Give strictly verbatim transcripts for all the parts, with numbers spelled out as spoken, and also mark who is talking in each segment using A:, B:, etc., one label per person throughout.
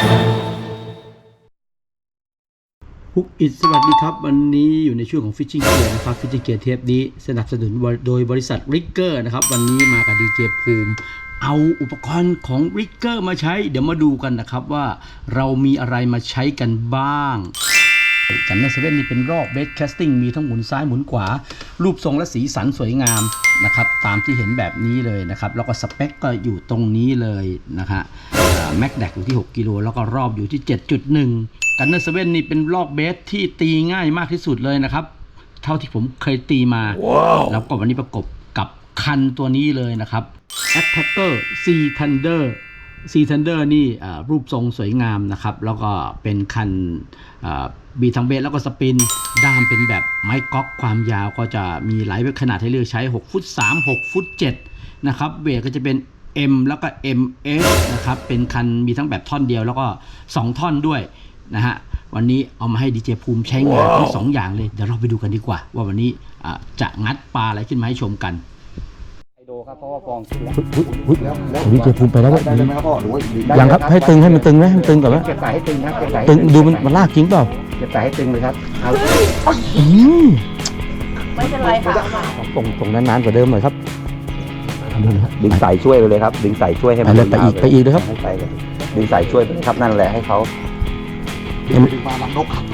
A: ฮุกอิทสวัสดีครับวันนี้อยู่ในช่วงของ Fishing Gear นะครับ Fishing Gear เทปนี้สนับสนุนโดยบริษัท Rigger นะครับวันนี้มากับดีเจภูมิเอาอุปกรณ์ของ Rigger มาใช้เดี๋ยวมาดูกันนะครับว่าเรามีอะไรมาใช้กันบ้างจันเนอร์เซเว่นนี่เป็นรอบเบสแคสติ้งมีทั้งหมุนซ้ายหมุนขวารูปทรงและสีสันสวยงามนะครับตามที่เห็นแบบนี้เลยนะครับแล้วก็สเปคก็อยู่ตรงนี้เลยนะฮะแม็กแดกอยู่ที่หกกิโลแล้วก็รอบอยู่ที่ เจ็ดจุดหนึ่งกันเนอร์เซเว่นนี่เป็นลอกเบสที่ตีง่ายมากที่สุดเลยนะครับเท่าที่ผมเคยตีมา wow. แล้วก็วันนี้ประกบกับคันตัวนี้เลยนะครับ Attacker Sea Thunder Sea Thunder นี่รูปทรงสวยงามนะครับแล้วก็เป็นคันบีทั้งเบสแล้วก็สปินด้ามเป็นแบบไม้ก๊อกความยาวก็จะมีหลายขนาดให้เลือกใช้หกฟุตสาม หกฟุตเจ็ดนะครับเบสก็จะเป็น M แล้วก็ เอ็ม เอส นะครับเป็นคันมีทั้งแบบท่อนเดียวแล้วก็สองท่อนด้วยนะฮะวันนี้เอามาให้ดีเจภูมิใช้งาน wow. ทั้งสองอย่างเลยเดี๋ยวเราไปดูกันดีกว่าว่าวันนี้จะงัดปลาอะไรขึ้นมาให้ชมกัน
B: ไฮโดครับเพราะว่าฟองขึ้นแล้ว
A: ดีเจภูมิไปแล้ว
B: ได้ไหมครับพ่อหรือว่า
A: ยังครับให้ตึงให้มันตึงไหมให้มันตึงก่อนไหม
B: เก็บสายให้ตึงครับเก็บสาย
A: ตึงดูมันมันลากจริงเปล่า
B: เก็บสายให้ตึงเลยครับเอา
C: ไม่เป็นไรค่ะ
A: ตรงตรงนานๆกว่าเดิมหน่อยครับ
B: ดึงสายช่วยไปเลยครับดึงสายช่วยให้มัน
A: ไปอีกไปอีกเลยครับ
B: ดึงสายช่วยไปครับนั่นแหละให้เขา
D: ดึงมาลำนกครับ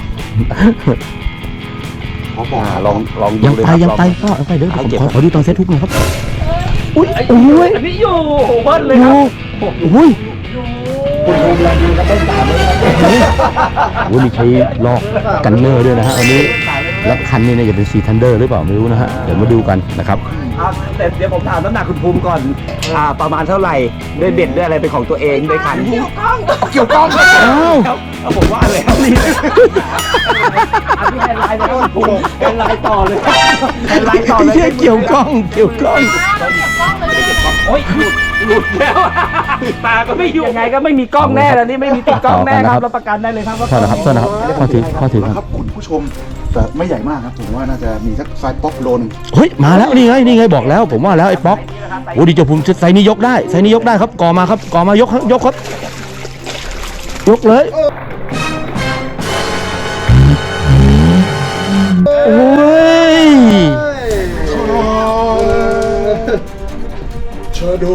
B: ลองลองดู
A: เลยครับยังไปยังไปก็ยังไปเดี๋ยวผมขอดูตอนเซตทุกหน่อยครับอุ้ยโอ้ย
B: อันนี้อยู่เบิ้ลเลยครับ
A: อุ้ย
B: คุณภูมิแรงดีครับเป็นสามเลยครับ
A: โอ้ยมีใช้ลอกกันเนอร์ด้วยนะฮะวันนี้แล้วคันนี้เนี่ยจะเป็นซีทันเดอร์หรือเปล่าไม่รู้นะฮะเดี๋ยวมาดูกันนะครับ
B: แต่เดี๋ยวผมถามน้ำหนักคุณภูมิก่อนอ่าประมาณเท่าไหร่ด้วยเบ็ดด้วยอะไรเป็นของตัวเองด้วยคัน
C: เกี่ยวก้อง
B: เกี่ยวก้องแล้วผมว่าแล้วนี่อันนี้ไฮไลท์เลยคุณภูมิไฮไลท์ต่อเลยไฮไลท์ต่อเลย
A: เกี่ยวก้องเกี่ยวก้อง
B: โอ๊ยหลุดหลุดแล้วตาก็ไม่อยู่ยังไงก็ไม่มีกล้องแน่แล้วนี่ไม่มีติดกล้องแน่ครับรับประกันได้เลยครับว่า
A: ใช่ครับใช่ครับข้อถือข้อถือ
D: ครับคุณผู้ชมแต่ไม่ใหญ่มากครับผมว่าน่าจะมีสักไซส์ป๊อกโลนึง
A: เฮ้ยมาแล้วนี่ไงนี่ไงบอกแล้วผมว่าแล้วไอ้ป๊อกโอ้ดีเจภูมิไซส์นี้ยกได้ไซส์นี้ยกได้ครับก่อมาครับก่อมายกยกครับยกเลยโอ้ย
D: ชาโด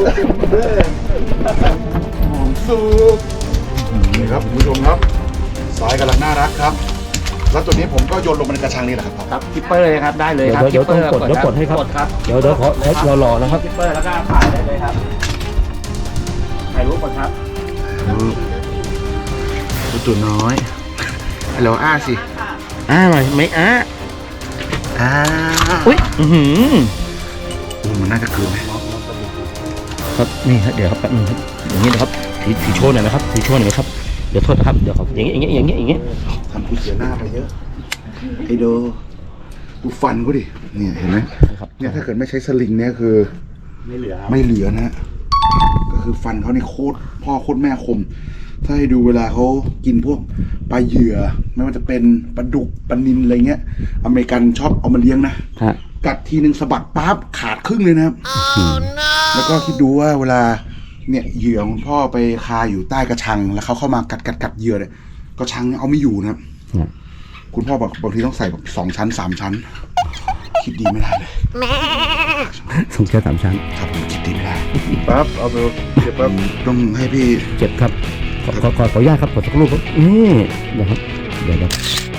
D: หอมสุกนี่ครับคุณผู้ชมครับสายกำลังน่ารักครับแล้วตัวนี้ผมก็โยนลงไปในกระชังนี่แหละครับ
B: ครับคิปเปอร์เลยครับได้เลยครับ
A: เดี๋ยวต้องกดเดี๋ยวกดให้ครับเดี๋ยวเดี๋ยวขอเรารอนะครับ
B: คิปเปอร์แล้วก็ถ่ายได้เลยครับถ่ายรูปก่อนครับ
D: ตัวน้อยฮัลโหลอ้าสิ
A: อ้าหน่อยไม่อ้า
D: อ้า
A: อุ้ยอือหือ
D: โอ้มันน่าจะเกินไหม
A: ครับนี่ครับเดี๋ยวครับแป๊บนึงครับอย่างนี้นะครับถือถือโชว์หน่อยนะครับถือโชว์หน่อยครับเดี๋ยวโทษนะครับเดี๋ยวครับอย่างเงี้ยอย่างเงี้ยอย่างเงี้ยอย่างเงี้ย
D: ทำกูเสียหน้าไปเยอะไอ้โดกูฟันกูดิเนี่ยเห็นไหมเนี่ยถ้าเกิดไม่ใช้สลิงเนี่ยคือ
B: ไม่เหลือ
D: ไม่เหลือนะฮะก็คือฟันเขานี่โคตรพ่อโคตรแม่คมถ้าให้ดูเวลาเขากินพวกปลาเหยื่อไม่ว่าจะเป็นปลาดุกปลานิลอะไรเงี้ยอเมริกันชอบเอามาเลี้ยงนะกัดทีนึงสะบัดปั๊บขาดครึ่งเลยนะครับ oh, no. แล้วก็คิดดูว่าเวลาเนี่ยเหยื่อของพ่อไปคาอยู่ใต้กระชังแล้วเขาเข้ามากัดกัดกัดเหยื่อเนี่ยกระชังเอาไม่อยู่นะครับ yeah. คุณพ่อบอกบางทีต้องใส่แบบสองชั้นสามชั้นคิดดีไม่ได้เลย
A: สองชั้นสามชั้น
D: ครับผมคิดดีไม่ได้
B: ปั๊บเอาไปเก็บปั๊บ
D: ต้องให้พี่
A: เจ็บครับขอขอขออนุญาตครับขอสักรูปครับนี่นะครับเดี๋ยวนะ